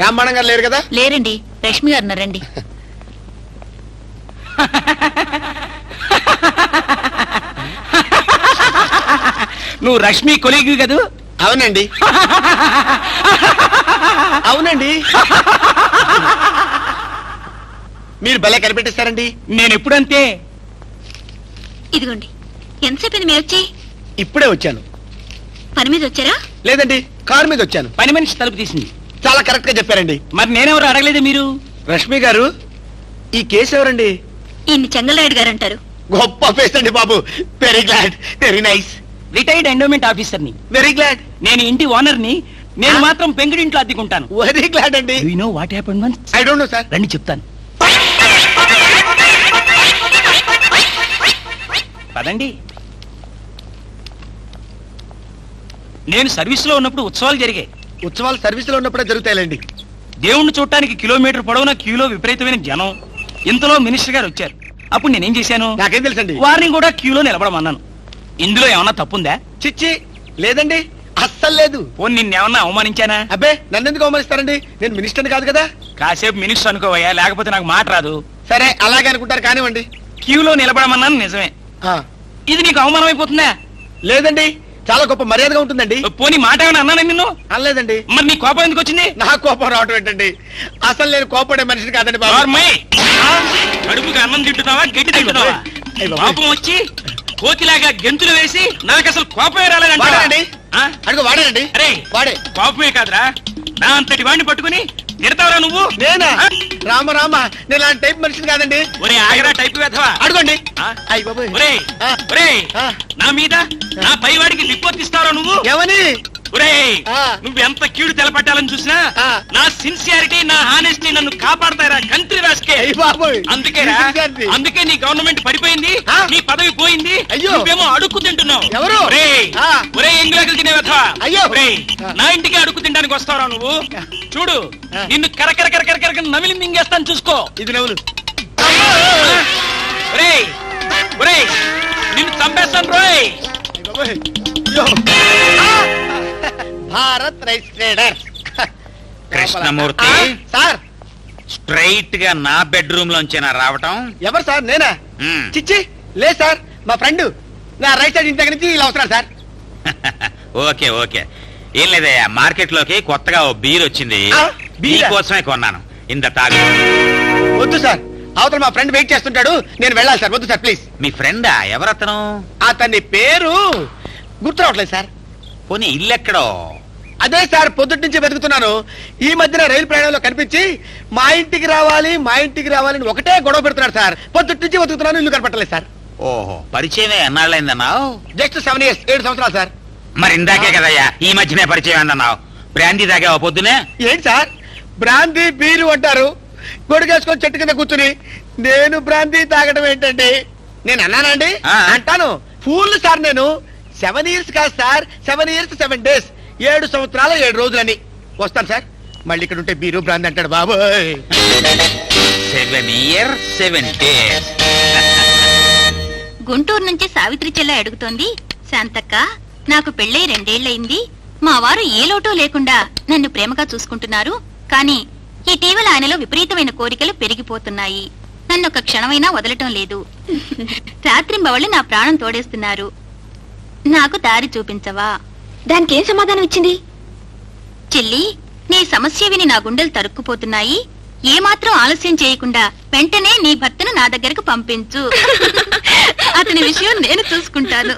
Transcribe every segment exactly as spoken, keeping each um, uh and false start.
రాంబాణం గారు లేరు కదా? లేరండి, రష్మి గారు రండి. నువ్వు రష్మి కొలీగ్ కదూ? అవునండి. అవునండి. మీరు భలే కనిపెట్టిస్తారండి. నేను ఎప్పుడంతే. ఇదిగోండి, ఎంతసేపు మీరు వచ్చి? ఇప్పుడే వచ్చాను. పని మీద వచ్చారా? లేదండి, కారు మీద వచ్చాను. పని మనిషి తలుపు తీసింది. చాలా కరెక్ట్ గా చెప్పారండి. మరి నేనెవరు అడగలేదు మీరు? రష్మి గారు, ఈ కేసు ఎవరండి? ఈయన్ని చెంగలరాయుడు గారు అంటారు. గొప్ప ఫేస్ అండి బాబు. Very glad, very nice. Retired endowment officer ని. Very glad. నేను ఇంటి ఓనర్ ని. నేను మాత్రం పెంకుడింట్లో అద్దెకుంటాను. వెరీ గ్లాడ్ అండి. You know what happened once? I don't know sir. రండి చెప్తాను. పదండి. నేను సర్వీస్ లో ఉన్నప్పుడు ఉత్సవాలు జరిగాయి. ఉత్సవాలు సర్వీస్ లో ఉన్నప్పుడే జరుగుతాయిలేండి. దేవుణ్ణి చూడటానికి కిలోమీటర్ పొడవున క్యూలో విపరీతమైన జనం. ఇంతలో మినిస్టర్ గారు వచ్చారు. అప్పుడు నేనేం చేశాను? నాకేం తెలుసండి. వారిని కూడా క్యూలో నిలబడమన్నాను. ఇందులో ఏమన్నా తప్పుందా? చిచ్చి లేదండి, అస్సలు లేదు. పోనీ నిన్నేమన్నా అవమానించానా? అబ్బే, నన్ను ఎందుకు అవమానిస్తారండి? నేను మినిస్టర్ని కాదు కదా. కాసేపు మినిస్టర్ అనుకోవయ్యా, లేకపోతే నాకు మాట రాదు. సరే, అలాగే అనుకుంటారు కానివ్వండి. క్యూలో నిలబడమన్నాను నిజమే. ఆ, ఇది నీకు అవమానం అయిపోతుందా? లేదండి, చాలా గొప్ప మర్యాదగా ఉంటుందండి. పోనీ మాట ఏమైనా అన్నాను నిన్ను? అనలేదండి. మరి నీ కోపం ఎందుకు వచ్చింది? నా కోపం రావటం ఏంటండి? అసలు నేను కోపడే మనిషిని కాదండి బాబు. నార్మల్. కడుపుకి అన్నం తింటున్నావా, గట్టి తింటున్నావా? కోపం వచ్చి కోతిలాగా గెంతులు వేసి నాకు అసలు కోపమే రాలేదండి. వాడానండి, అడుగు వాడానండి. అరే వాడే. కోపమే కాదురా, నా అంతటి వాడిని పట్టుకుని తిడతావరా నువ్వు? నేనా? రామ రామ, నేను అలాంటి టైప్ మనిషిని కాదండి. ఒరే ఆగరా టైప్ వేధవా. అడుగండి. అయ్య బాబోయ్. ఒరే ఒరే, నా మీద నా పైవాడికి రిపోర్ట్ ఇస్తావరా నువ్వు? ఏమని? ఒరే, నువ్వు ఎంత కీడు తెలపట్టాలని చూసినా నా సిన్సియారిటీ, నా హానెస్టీ నన్ను కాపాడతారా కంట్రీ రాసుకే. అందుకే అందుకే నీ గవర్నమెంట్ పడిపోయింది, నీ పదవి పోయింది. నువ్వేమో అడుక్కు తింటున్నావు. ఎవరు? ఒరే ఒరే, ఎంగులకి తినే వెధవా. ఒరే, నా ఇంటికి అడుక్కు తినడానికి వస్తావరా నువ్వు? చూడు, నిన్ను కరకర కరకర కరకర నమిలి మింగేస్తాను, చూసుకో. ఇది నవ్వులు. ఒరే ఒరే, నిన్ను చంపేస్తాను రోయ్. Bharat rice trader. Krishnamurthy sir, straight గా నా బెడ్రూమ్ లోంచేనా రావటం? ఎవరు సార్? నేనా? మ్మ్. చిచ్చి లేదు సార్, మా ఫ్రెండ్ నా రైట్ సైడ్ ఇంటి దగ్గర నుంచి ఇలా వస్తున్నాడు సార్. ఓకే ఓకే, ఏం లేదయ్యా, మార్కెట్ లోకి కొత్తగా ఓ బీర్ వచ్చింది. ఆ, బీరా? కోసమే కొన్నాను. ఇంత తాగు. వద్దు సార్, అవతల మా ఫ్రెండ్ వెయిట్ చేస్తుంటాడు, నేను వెళ్ళాలి సార్. వద్దు సార్ ప్లీజ్. మీ ఫ్రెండా? ఎవరతను? అతని పేరు గుర్తు రావట్లేదు సార్. పోనీ ఇల్లెక్కడో? అదే సార్, పొద్దుటి నుంచి వెతుకుతున్నాను. ఈ మధ్యన రైలు ప్రయాణంలో కనిపించి మా ఇంటికి రావాలి మా ఇంటికి రావాలని ఒకటే గొడవ పెడుతున్నాడు సార్. పొద్దుటి నుంచి వెతుకుతున్నాను, ఇల్లు కనపట్టలేదు సార్. ఓహో, పరిచయమే ఎన్నాళ్ళైందన్నావు? జస్ట్ సెవెన్ ఇయర్స్ ఏడు సంవత్సరాలు సార్. మరి ఇందాకే కదయ్యా ఈ మధ్యనే పరిచయం అన్నావు. బ్రాందీ తాగావా పొద్దునే? ఏంటి సార్, బ్రాందీ బీరు అంటారు? గొడుగేసుకొని చెట్టు కింద కూర్చుని నేను బ్రాందీ తాగడం ఏంటండి? నేను అన్నానండి? అంటాను. ఫూల్ సార్, నేను సెవెన్ ఇయర్స్ కాదు sir, seven years seven days ఏడు సంవత్సరాలు ఏడు రోజులని. వస్తాను సార్, మళ్ళీ ఇక్కడ ఉంటే బీరు బ్రాందీ అంటాడు బాబోయ్. Seven year seven days. Guntur నుంచి సావిత్రి చెల్ల అడుగుతోంది, శాంతక్క నాకు పెళ్ళై రెండేళ్లయింది. మా వారు ఏ లోటో లేకుండా నన్ను ప్రేమగా చూసుకుంటున్నారు. కానీ ఇటీవల ఆయనలో విపరీతమైన కోరికలు పెరిగిపోతున్నాయి. నన్ను ఒక క్షణమైనా వదలటం లేదు. రాత్రింబవళ్ళు నా ప్రాణం తోడేస్తున్నారు. నాకు దారి చూపించవా? దానికి ఏం సమాధానం ఇచ్చింది? చెల్లి, నీ సమస్య విని నా గుండెలు తరుక్కుపోతున్నాయి. ఏమాత్రం ఆలస్యం చేయకుండా వెంటనే నీ భర్తను నా దగ్గరకు పంపించు. అతని విషయం నేను చూసుకుంటాను.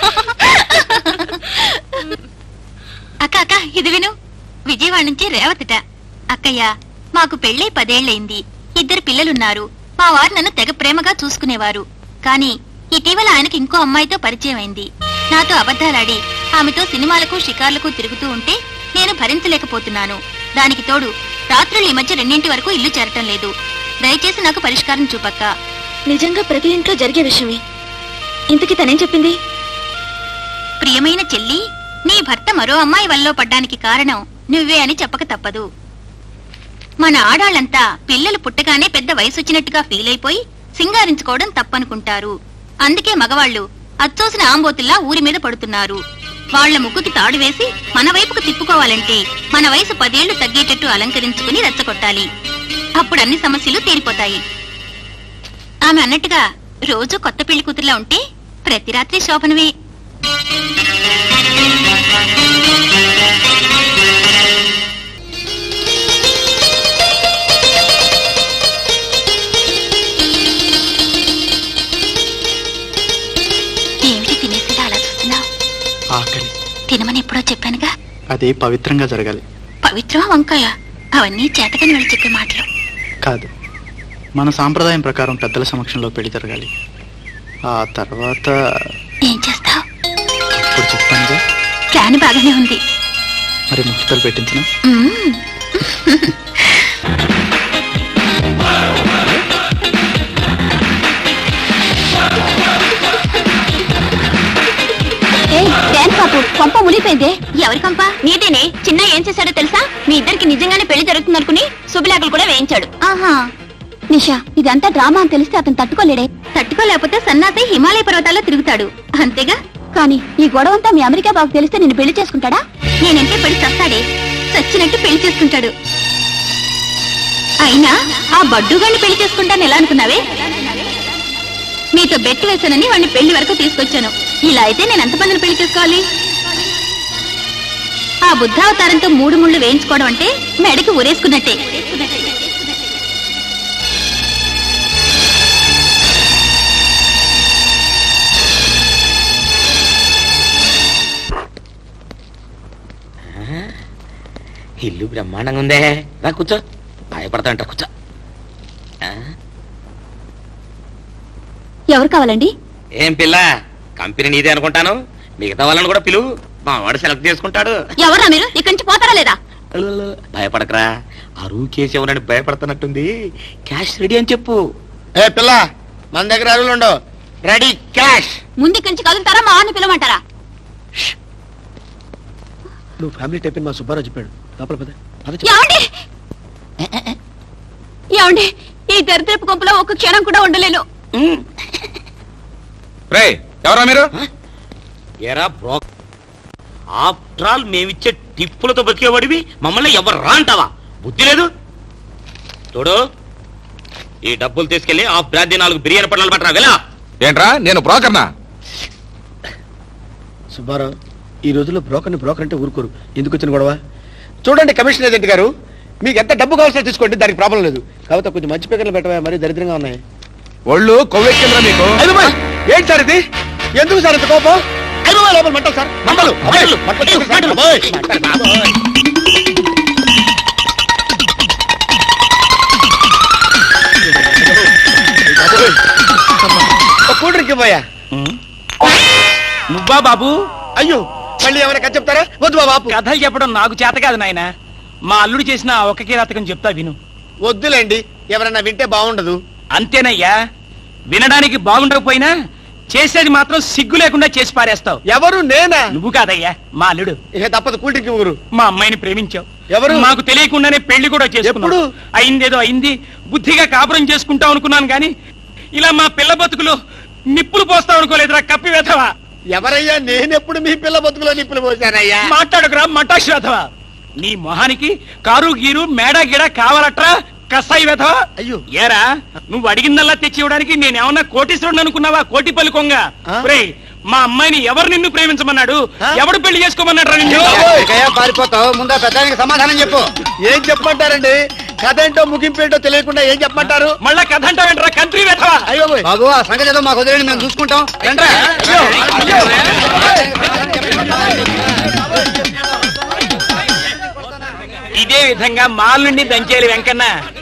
అక్క అక్క ఇది విను. విజయవాడ నుంచి రేవతిట. అక్కయ్య, మాకు పెళ్ళై పదేళ్లయింది. ఇద్దరు పిల్లలున్నారు. మా వారు నన్ను తెగ ప్రేమగా చూసుకునేవారు. కాని ఇటీవల ఆయనకి ఇంకో అమ్మాయితో పరిచయం అయింది. నాతో అబద్ధాలాడి ఆమెతో సినిమాలకు షికార్లకు తిరుగుతూ ఉంటే నేను భరించలేకపోతున్నాను. దానికి తోడు రాత్రులు ఈ మధ్య రెండింటి వరకు ఇల్లు చేరటం లేదు. దయచేసి నాకు పరిష్కారం చూపక్క. నిజంగా ప్రతి ఇంట్లో జరిగే విషయమే. ఇంతకీ తనేం చెప్పింది? ప్రియమైన చెల్లి, నీ భర్త మరో అమ్మాయి వల్ల పడ్డానికి కారణం నువ్వే అని చెప్పక తప్పదు. మన ఆడాళ్లంతా పిల్లలు పుట్టగానే పెద్ద వయసు వచ్చినట్టుగా ఫీల్ అయిపోయి సింగారించుకోవడం తప్పనుకుంటారు. అందుకే మగవాళ్లు అచ్చోసిన ఆంబోతుల్లా ఊరి మీద పడుతున్నారు. వాళ్ల ముక్కుకి తాడు వేసి మన వైపుకు తిప్పుకోవాలంటే మన వయసు పదేళ్లు తగ్గేటట్టు అలంకరించుకుని రెచ్చగొట్టాలి. అప్పుడు అన్ని సమస్యలు తీరిపోతాయి. ఆమె అన్నట్టుగా రోజు కొత్త పెళ్లి కూతురులా ఉంటే ప్రతి రాత్రి శోభనవే. ఏమిటి తినేసిరా అలా చూస్తున్నావు? ఆకలి. తినమని ఎప్పుడో చెప్పానుగా. అది పవిత్రంగా జరగాలి. పవిత్రమా వంకాయ? అవన్నీ చేతకని వెళ్ళి చెప్పే మాటలు కాదు, మన సాంప్రదాయం ప్రకారం పెద్దల సమక్షంలో పెళ్లి జరగాలి. ఆ తర్వాత ఏం చేస్తావు? ఇప్పుడు చెప్తానుగా. ప్లాన్ బాగానే ఉంది. మరి ముహూర్తాలు పెట్టించిన కొంప మునిపోయిందే. ఎవరి కొంప? నీదేనే. చిన్న ఏం చేశాడో తెలుసా? మీ ఇద్దరికి నిజంగానే పెళ్లి జరుగుతుందనుకుని శుభలేఖలు కూడా వేయించాడు. ఆహా, నిషా, ఇదంతా డ్రామా అని తెలిస్తే అతను తట్టుకోలేడే. తట్టుకోలేకపోతే సన్నాసి హిమాలయ పర్వతాల్లో తిరుగుతాడు, అంతేగా. కానీ ఈ గొడవంతా మీ అమెరికా బాబు తెలిస్తే నిన్ను పెళ్లి చేసుకుంటాడా? నేనంటే పెళ్లి చస్తాడే, చచ్చినట్టు పెళ్లి చేసుకుంటాడు. అయినా ఆ బడ్డుగాన్ని పెళ్లి చేసుకుంటాను ఎలా అనుకున్నావే? మీతో బెట్టు వేశానని వాడిని పెళ్లి వరకు తీసుకొచ్చాను. ఇలా అయితే నేను ఎంతమందిని పెళ్లి చేసుకోవాలి? ఆ బుద్ధావతారంతో మూడు ముళ్ళు వేయించుకోవడం అంటే మెడకి ఊరేసుకున్నట్టే. ఇల్లు బ్రహ్మాండంగా ఉందే. రా కూర్చో. భయపడతాంట, కూర్చో. ఎవరు కావాలండి? ఏం పిల్ల, కంపెనీ నీదే అనుకుంటాను. మిగతా వాళ్ళని కూడా పిలువు, మా వాడు సెలెక్ట్ చేసుకుంటాడు. ఎవరా మీరు? ఇక్కడి నుంచి పోతారా లేదా? భయపడకరా, అరువు కేసు ఎవరని భయపడుతున్నట్టుంది. క్యాష్ రెడీ అని చెప్పు. ఏ పిల్ల, మన దగ్గర అరువులు ఉండవు. Ready cash. ముందు ఇక్కడి నుంచి కదులుతారా మా వాడిని పిలవమంటారా? నువ్వు ఫ్యామిలీ టైప్ మా సుబ్బారావు చెప్పాడు. లోపల పద. ఏమండి ఏమండి ఈ దరిద్రపు కొంపలో ఒక క్షణం కూడా ఉండలేను. ఎవరా మీరు? ఎరా బ్రో, ఆఫ్టర్ ఆల్ మేమిచ్చే టిప్పులతో బతికేవాడివి మమ్మల్ని ఎవరు రా అంటావా? బుద్ధి లేదు. చూడు, ఈ డబ్బులు తీసుకెళ్లి ఆ బ్రాంతి నాలుగు బిర్యానీ పట్టాలు పట్టరా. వెళ్ళా. ఏంట్రా, నేను బ్రోకర్నా? సుబ్బారావు, ఈ రోజుల్లో బ్రోకర్ని బ్రోకర్ అంటే ఊరుకోరు. ఎందుకు వచ్చిన గొడవ? చూడండి కమిషన్ ఏజెంట్ గారు, మీకు ఎంత డబ్బు కావాల్సిన తీసుకోండి, దానికి ప్రాబ్లం లేదు. కాబట్టి కొంచెం మంచి పేకర్లు పెట్టవా, మరీ దరిద్రంగా ఉన్నాయి. ఒళ్ళు కొవ్వెక్కిందిరా మీకు. ఏంటి సార్ ఇది? ఎందుకు సార్ ఇంత కోపం? ఐదు లోపల మంటలు సార్, మంటలు మంటలు మంటలు. కూల్ డ్రింక్ ఇవ్వయా. నువ్వా బాబు? అయ్యో, మళ్ళీ ఏమైనా కథ చెప్తారా? వద్దు బాబు, కథలు చెప్పడం నాకు చేత కాదు నాయన. మా అల్లుడు చేసిన ఒక కిరాతకం చెప్తా విను. వద్దులేండి, ఎవరన్నా వింటే బాగుండదు. అంతేనయ్యా, వినడానికి బాగుండకపోయినా చేసేది మాత్రం సిగ్గు లేకుండా చేసి పారేస్తావు. ఎవరు? నేనా? నువ్వు కాదయ్యా, మా అల్లుడు. ఇక తప్పదు, కూల్ డ్రింక్ ఇవ్వరు. మా అమ్మాయిని ప్రేమించావు. ఎవరు? మాకు తెలియకుండానే పెళ్లి కూడా చేసుకున్నావు. అయిందేదో అయింది, బుద్ధిగా కాపురం చేసుకుంటావు అనుకున్నాను గాని ఇలా మా పిల్ల బతుకులు నిప్పులు పోస్తావు అనుకోలేదురా కప్పి వేధవా. ఎవరయ్యా? నేనెప్పుడు మీ పిల్ల బతుకులో నిప్పులు పోసానయ్యా? మాట్లాడుకురా మటాష్ వేధవా. నీ మొహానికి కారు గీరు మేడా గిడ కావాలట్రా కసాయి వేధవా. అయ్యో, ఏరా, నువ్వు అడిగిందల్లా తెచ్చి ఇవ్వడానికి నేనేమన్నా కోటీశ్వరుడు అనుకున్నావా? కోటిపల్లి కొంగ. రేయ్, మా అమ్మాయిని ఎవరు నిన్ను ప్రేమించమన్నాడు? ఎవడు పెళ్లి చేసుకోమన్నాడు? పారిపోతావు, ముందా పెద్దానికి సమాధానం చెప్పు. ఏం చెప్పమంటారండి? కథ ఏంటో ముగింపు ఏంటో తెలియకుండా ఏం చెప్పమంటారు? మళ్ళా కథ అంటావేంట్రా కంట్రీ వేధవా. అయ్యో బాబు, ఆ సంగతి ఏదో మాకు వదిలేండి, మేము చూసుకుంటాం. ఇదే విధంగా మాల్ నుండి దంచేలి వెంకన్న